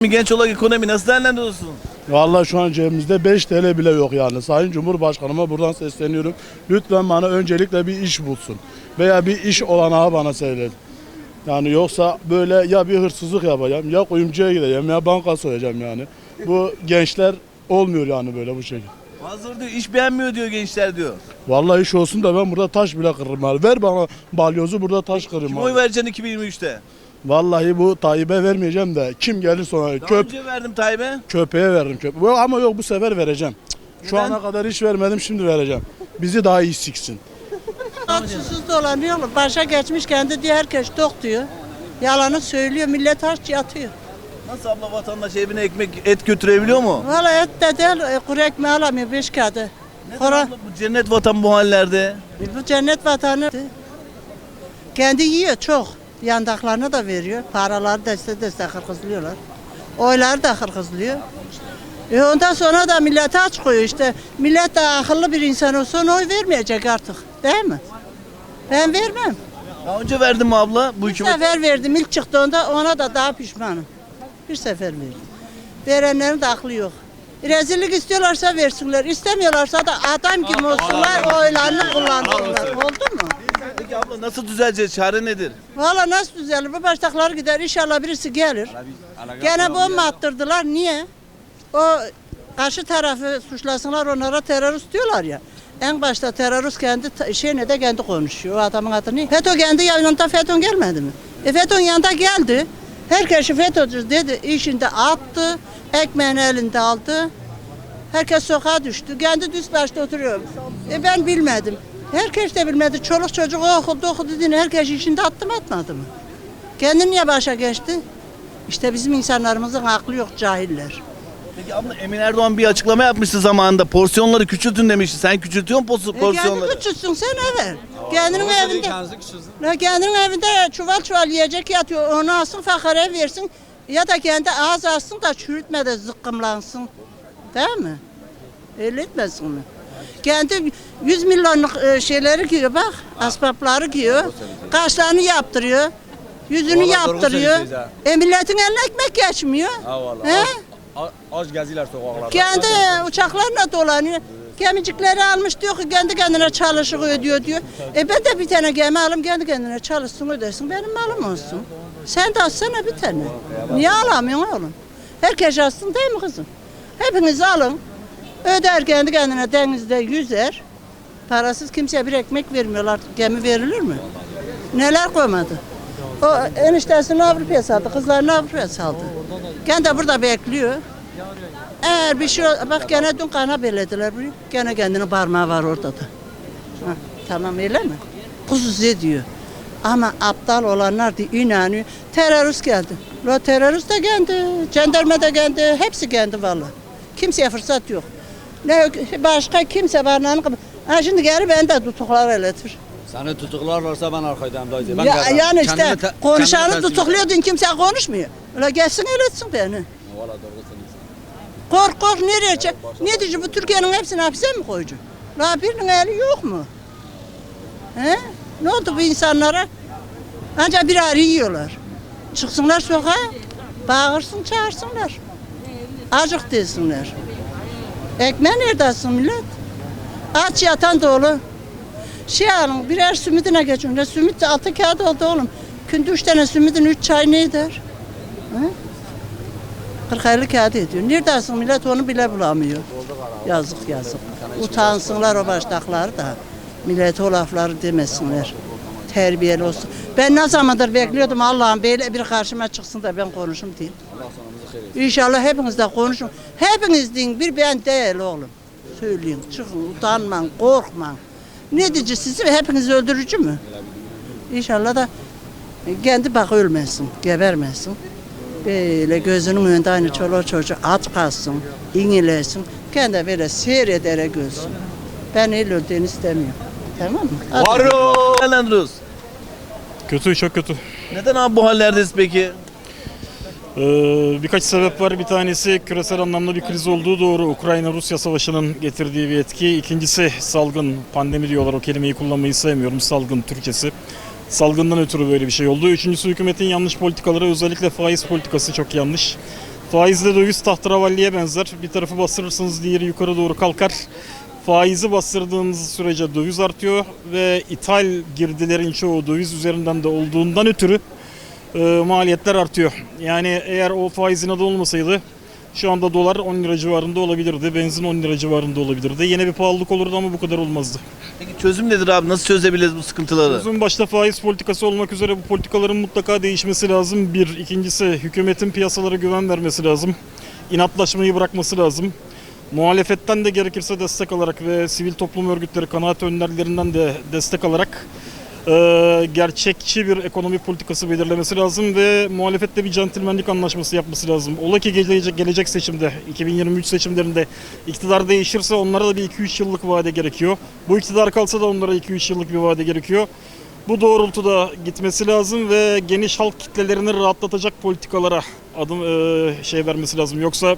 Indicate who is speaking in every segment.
Speaker 1: Genç olarak ekonomi nasıl değerlendiriyorsun?
Speaker 2: Vallahi şu an cebimizde 5 TL bile yok yani. Sayın Cumhurbaşkanıma buradan sesleniyorum. Lütfen bana öncelikle bir iş bulsun. Veya bir iş olanağı bana söyleyin. Yani yoksa böyle ya bir hırsızlık yapacağım, ya kuyumcuya gideceğim, ya banka soyacağım yani. Bu gençler olmuyor yani böyle bu şekilde.
Speaker 1: Bazıları diyor iş beğenmiyor diyor gençler diyor.
Speaker 2: Vallahi iş olsun da ben burada taş bile kırırım yani. Ver bana balyozu burada taş kırırım.
Speaker 1: Kime
Speaker 2: abi.
Speaker 1: oy vereceksin 2023'te?
Speaker 2: Vallahi bu Tayyip'e vermeyeceğim de kim gelir sonra
Speaker 1: Daha önce verdim Tayyip'e.
Speaker 2: köpeğe veririm köpeğe. Ama yok bu sefer vereceğim. Şu
Speaker 1: Neden?
Speaker 2: ana kadar hiç vermedim şimdi vereceğim. Bizi daha iyi siksin.
Speaker 3: Susuz dolanıyorlar. Başa geçmiş kendi diyor herkes tok diyor. Yalanı söylüyor. Millet aç yatıyor.
Speaker 1: Nasıl abla vatandaş evine ekmek et götürebiliyor mu?
Speaker 3: Valla et de değil kuru ekmeği alamıyor 5 kağıdı.
Speaker 1: Neden abla bu cennet vatan bu hallerde?
Speaker 3: Bu cennet vatanı. Kendi yiyor çok. Yandaklarına da veriyor. Paraları deste hırkızlıyorlar. Oyları da hırkızlıyor. Ondan sonra da millete aç koyuyor işte. Millet de akıllı bir insan olsa ona oy vermeyecek artık. Değil mi? Ben vermem.
Speaker 1: Daha önce verdim mi abla bu
Speaker 3: Bir
Speaker 1: hükümet?
Speaker 3: sefer verdim ilk çıktığında ona da daha pişmanım. Bir sefer verdim. Verenlerin de aklı yok. Rezillik istiyorlarsa versinler. İstemiyorlarsa da adam gibi olsunlar oylarını kullansınlar. Oldu mu?
Speaker 1: Peki abla nasıl düzeleceğiz? Çare nedir?
Speaker 3: Valla nasıl düzelir? Bu baştakları gider. İnşallah birisi gelir. Gene bomba attırdılar. Niye? O karşı tarafı suçlasınlar onlara terörist diyorlar ya. En başta terörist kendi şeyine de kendi konuşuyor. O adamın adı ne? FETÖ kendi yanında FETÖ gelmedi mi? FETÖ'nün yanında geldi. Herkesi FETÖ'cü dedi. İşinde attı. Ekmeğini elinde aldı. Herkes sokağa düştü. Kendi düz başta oturuyor. Ben bilmedim. Herkes de bilmedi. Çoluk çocuk okudu dedi. Herkes işinde attı mı atmadı mı? Kendi niye başa geçti? İşte bizim insanlarımızın aklı yok cahiller.
Speaker 1: Peki abla Emin Erdoğan bir açıklama yapmıştı zamanında. Porsiyonları küçültün demişti. Sen küçültüyor musun porsiyonları?
Speaker 3: Kendi küçülsün sen evet. Kendinin evinde. Kendinin evinde çuval yiyecek yatıyor. Onu alsın fakire versin. Ya da kendi ağız alsın da çürütme de zıkkımlansın. Değil mi? Öyle etmesin mi? Kendi 100 milyonluk şeyleri giyiyor bak. Asbapları giyiyor. Kaşlarını yaptırıyor. Yüzünü yaptırıyor. Milletin eline ekmek geçmiyor. He?
Speaker 4: Az geziler sokaklarda.
Speaker 3: Kendi uçaklarla dolanıyor. Gemicikleri almış diyor ki kendi kendine çalışır ödüyor diyor. Ben de bir tane gemi alayım kendi kendine çalışsın ödesin benim malım olsun. Sen de alsana bir tane. Niye alamıyorsun oğlum? Herkes alsın değil mi kızım? Hepiniz alın. Öder kendi kendine denizde yüzer. Parasız kimseye bir ekmek vermiyorlar. Gemi verilir mi? Neler koymadı? O eniştesini Avrupa'ya saldı, kızlarını Avrupa'ya saldı. Kendi burada bekliyor. Eğer bir şey bak gene dün kana belediler burayı. Gene kendinin parmağı var orada da. Ha, tamam öyle mi? Husus ediyor. Ama aptal olanlar da inanıyor. Terörist geldi. La terörist de geldi. Jandarma da geldi. Hepsi geldi vallahi. Kimseye fırsat yok. Ne başka kimse barınağını ha şimdi geri beni de tutuklar öyledir.
Speaker 4: Seni tutuklarlarsa ben arkadayım dayıcı.
Speaker 3: Yani işte konuşanı tutukluyordun kimse konuşmuyor. Öyle gelsin öğretsin beni.
Speaker 4: Valla doğru söylüyorsun.
Speaker 3: Kork nereye çek? Ne diyeceğim bu Türkiye'nin hepsini hapse mi koyacak? La birinin eli yok mu? He? Ne oldu bu insanlara? Ancak bir arı yiyorlar. Çıksınlar sokağa, bağırsın çağırsınlar. Acık desinler. Ekmeği nerede alsın millet? Aç yatan dolu. Şey alın birer sümidine geçin. Ne sümit de 6 kağıt oldu oğlum. Günde 3 tane sümidin 3 çay ne eder? 40-50 kağıt ediyor. Nerede alsın millet onu bile bulamıyor. Yazık. Utansınlar o baştakları da. Millete o lafları demesinler. Terbiyeli olsun. Ben ne zamandır bekliyordum Allah'ım böyle bir karşıma çıksın da ben konuşayım diye. İnşallah hepiniz de konuşun. Hepiniz deyin bir ben değil oğlum. Söyleyin çıkın utanmayın korkmayın. Ne diyeceğiz sizi hepiniz öldürücü mü? İnşallah da kendi bak ölmesin, gebermesin. Böyle gözünün önünde aynı çoluğu çocuğu aç kalsın, inilesin. Kendi böyle seyrederek ölsün. Ben öyle öldüğünü istemiyorum. Tamam mı?
Speaker 1: Varo! Değerlendiriyoruz.
Speaker 5: Kötü, çok kötü.
Speaker 1: Neden abi bu hallerdeyiz peki?
Speaker 5: Birkaç sebep var. Bir tanesi küresel anlamda bir kriz olduğu doğru. Ukrayna-Rusya savaşının getirdiği bir etki. İkincisi salgın, pandemi diyorlar. O kelimeyi kullanmayı sevmiyorum. Salgın Türkçesi. Salgından ötürü böyle bir şey oldu. Üçüncüsü hükümetin yanlış politikaları, özellikle faiz politikası çok yanlış. Faizle döviz tahterevalliye benzer. Bir tarafı bastırırsınız diğeri yukarı doğru kalkar. Faizi bastırdığınız sürece döviz artıyor ve ithal girdilerin çoğu döviz üzerinden de olduğundan ötürü maliyetler artıyor. Yani eğer o faizin adı olmasaydı şu anda dolar 10 lira civarında olabilirdi, benzin 10 lira civarında olabilirdi. Yine bir pahalılık olurdu ama bu kadar olmazdı.
Speaker 1: Peki çözüm nedir abi? Nasıl çözebiliriz bu sıkıntıları?
Speaker 5: Uzun başta faiz politikası olmak üzere bu politikaların mutlaka değişmesi lazım. Bir. İkincisi hükümetin piyasalara güven vermesi lazım. İnatlaşmayı bırakması lazım. Muhalefetten de gerekirse destek alarak ve sivil toplum örgütleri, kanaat önderlerinden de destek alarak gerçekçi bir ekonomi politikası belirlemesi lazım ve muhalefetle bir centilmenlik anlaşması yapması lazım. Ola ki gelecek seçimde, 2023 seçimlerinde iktidar değişirse onlara da bir 2-3 yıllık vade gerekiyor. Bu iktidar kalsa da onlara 2-3 yıllık bir vade gerekiyor. Bu doğrultuda gitmesi lazım ve geniş halk kitlelerini rahatlatacak politikalara vermesi lazım. Yoksa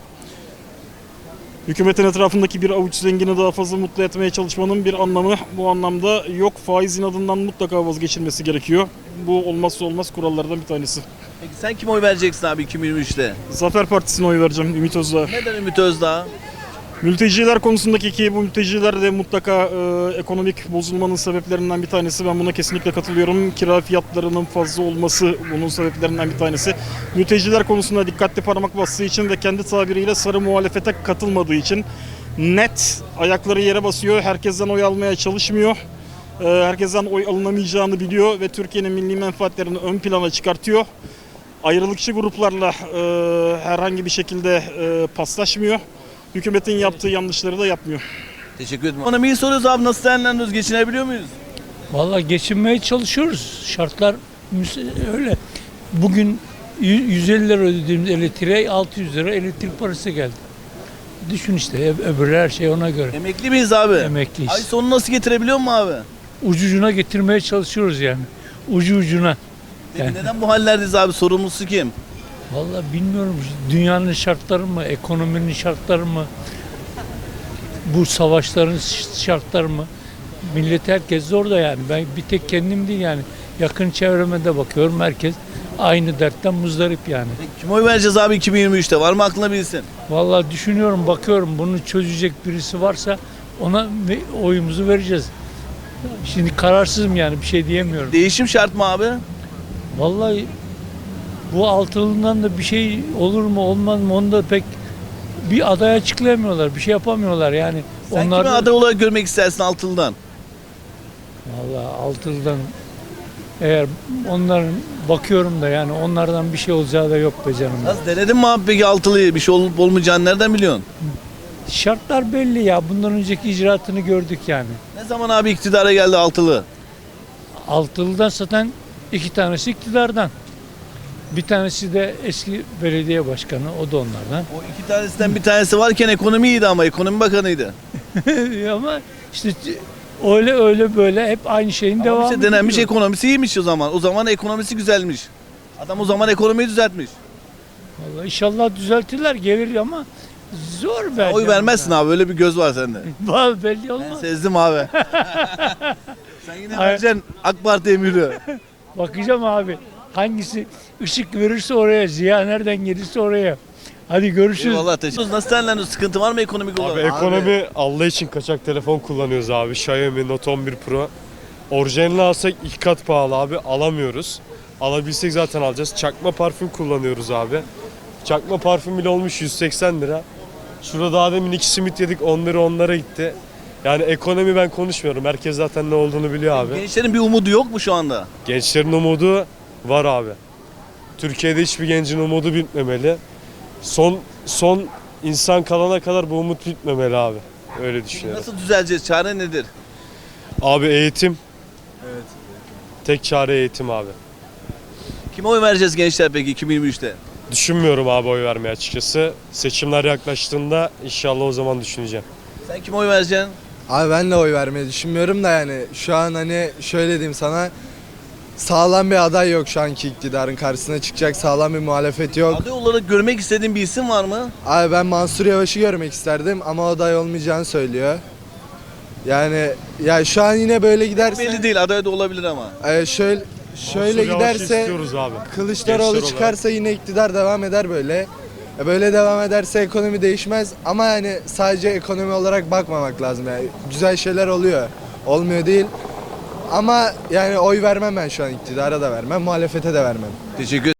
Speaker 5: hükümetin etrafındaki bir avuç zengini daha fazla mutlu etmeye çalışmanın bir anlamı bu anlamda yok. Faizin adından mutlaka vazgeçilmesi gerekiyor. Bu olmazsa olmaz kurallardan bir tanesi.
Speaker 1: Peki sen kime oy vereceksin abi 2023'te?
Speaker 5: Zafer Partisi'ne oy vereceğim, Ümit Özdağ.
Speaker 1: Neden Ümit Özdağ?
Speaker 5: Mülteciler konusundaki ki bu mülteciler de mutlaka ekonomik bozulmanın sebeplerinden bir tanesi. Ben buna kesinlikle katılıyorum. Kira fiyatlarının fazla olması bunun sebeplerinden bir tanesi. Mülteciler konusunda dikkatli parmak bastığı için ve kendi tabiriyle sarı muhalefete katılmadığı için net ayakları yere basıyor. Herkesten oy almaya çalışmıyor. Herkesten oy alınamayacağını biliyor ve Türkiye'nin milli menfaatlerini ön plana çıkartıyor. Ayrılıkçı gruplarla herhangi bir şekilde paslaşmıyor. Hükümetin yaptığı yanlışları da yapmıyor.
Speaker 1: Teşekkür ederim. Ekonomiyi soruyoruz abi, nasıl değerlendiriyoruz? Geçinebiliyor muyuz?
Speaker 6: Vallahi geçinmeye çalışıyoruz. Şartlar öyle. Bugün 150 lira ödediğimiz elektriğe 600 lira elektrik parası geldi. Düşün işte öbürü her şey ona göre.
Speaker 1: Emekli miyiz abi?
Speaker 6: Emekliyiz.
Speaker 1: Ay sonu nasıl getirebiliyor mu abi?
Speaker 6: Ucucuna getirmeye çalışıyoruz yani. Ucu ucuna.
Speaker 1: Peki
Speaker 6: Yani.
Speaker 1: neden bu hallerdeyiz abi? Sorumlusu kim?
Speaker 6: Vallahi bilmiyorum. Dünyanın şartları mı, ekonominin şartları mı, bu savaşların şartları mı? Millet herkes zor da yani. Ben bir tek kendim değil yani. Yakın çevreme de bakıyorum. Herkes aynı dertten muzdarip yani.
Speaker 1: Peki kime oy vereceğiz abi 2023'te? Var mı aklına bilsin?
Speaker 6: Vallahi düşünüyorum, bakıyorum. Bunu çözecek birisi varsa ona oyumuzu vereceğiz. Şimdi kararsızım yani, bir şey diyemiyorum.
Speaker 1: Değişim şart mı abi?
Speaker 6: Vallahi bu altılından da bir şey olur mu olmaz mı onu da pek bir aday açıklayamıyorlar. Bir şey yapamıyorlar yani.
Speaker 1: Sen
Speaker 6: Onlar
Speaker 1: kimi aday olarak görmek istersin Altılı'dan?
Speaker 6: Vallahi altıldan eğer onların bakıyorum da yani onlardan bir şey olacağı da yok be canım.
Speaker 1: Nasıl denedin mi abi peki Altılı'yı? Bir şey olup olmayacağını nereden biliyorsun?
Speaker 6: Şartlar belli ya. Bundan önceki icraatını gördük yani.
Speaker 1: Ne zaman abi iktidara geldi Altılı?
Speaker 6: Altılı'dan zaten 2 tanesi iktidardan. Bir tanesi de eski belediye başkanı, o da onlardan.
Speaker 1: O iki tanesinden bir tanesi varken ekonomi iyiydi ama ekonomi bakanıydı.
Speaker 6: Ama işte öyle böyle hep aynı şeyin
Speaker 1: Ama
Speaker 6: devamı.
Speaker 1: işte denenmiş
Speaker 6: gidiyor.
Speaker 1: ekonomisi iyiymiş o zaman. O zaman ekonomisi güzelmiş. Adam o zaman ekonomiyi düzeltmiş.
Speaker 6: Vallahi inşallah düzeltirler, gelir ama zor be.
Speaker 1: Oy vermezsin abi, öyle bir göz var sende.
Speaker 6: Vallahi belli
Speaker 1: Ben
Speaker 6: olmaz.
Speaker 1: sezdim abi. Sen yine
Speaker 6: Hayır.
Speaker 1: vereceksin AK Parti emiri.
Speaker 6: Bakacağım abi. Hangisi ışık verirse oraya, ziya nereden gelirse oraya. Hadi görüşürüz.
Speaker 1: Eyvallah, teşekkür ederim. Nasıl değerlendiriyorsun? Sıkıntı var mı ekonomik olarak?
Speaker 7: Abi ekonomi Allah için kaçak telefon kullanıyoruz abi. Xiaomi Note 11 Pro. Orijinalini alsak 2 kat pahalı abi. Alamıyoruz. Alabilsek zaten alacağız. Çakma parfüm kullanıyoruz abi. Çakma parfüm bile olmuş 180 lira. Şurada daha demin 2 simit yedik, 10 lira onlara gitti. Yani ekonomi ben konuşmuyorum. Herkes zaten ne olduğunu biliyor abi.
Speaker 1: Gençlerin bir umudu yok mu şu anda?
Speaker 7: Gençlerin umudu var abi. Türkiye'de hiçbir gencin umudu bitmemeli. Son insan kalana kadar bu umut bitmemeli abi. Öyle düşünüyorum.
Speaker 1: Nasıl düzeleceğiz? Çare nedir?
Speaker 7: Abi eğitim. Evet. Tek çare eğitim abi.
Speaker 1: Kime oy vereceğiz gençler peki 2023'te?
Speaker 7: Düşünmüyorum abi oy vermeye açıkçası. Seçimler yaklaştığında inşallah o zaman düşüneceğim.
Speaker 1: Sen kime oy vereceksin?
Speaker 8: Abi ben de oy vermeyi düşünmüyorum da yani şu an hani şöyle diyeyim sana, sağlam bir aday yok şu anki iktidarın karşısına çıkacak, sağlam bir muhalefet yok.
Speaker 1: Aday olarak görmek istediğin bir isim var mı?
Speaker 8: Abi ben Mansur Yavaş'ı görmek isterdim ama aday olmayacağını söylüyor. Yani ya şu an yine böyle giderse
Speaker 1: Belli değil, aday da olabilir ama.
Speaker 8: şöyle
Speaker 7: Mansur Yavaş'ı
Speaker 8: giderse
Speaker 7: istiyoruz abi.
Speaker 8: Kılıçdaroğlu
Speaker 7: Gençler
Speaker 8: çıkarsa yine iktidar devam eder böyle. Böyle devam ederse ekonomi değişmez ama yani sadece ekonomi olarak bakmamak lazım yani. Güzel şeyler oluyor. Olmuyor değil. Ama yani oy vermem ben şu an, iktidara da vermem, muhalefete de vermem.
Speaker 1: Teşekkür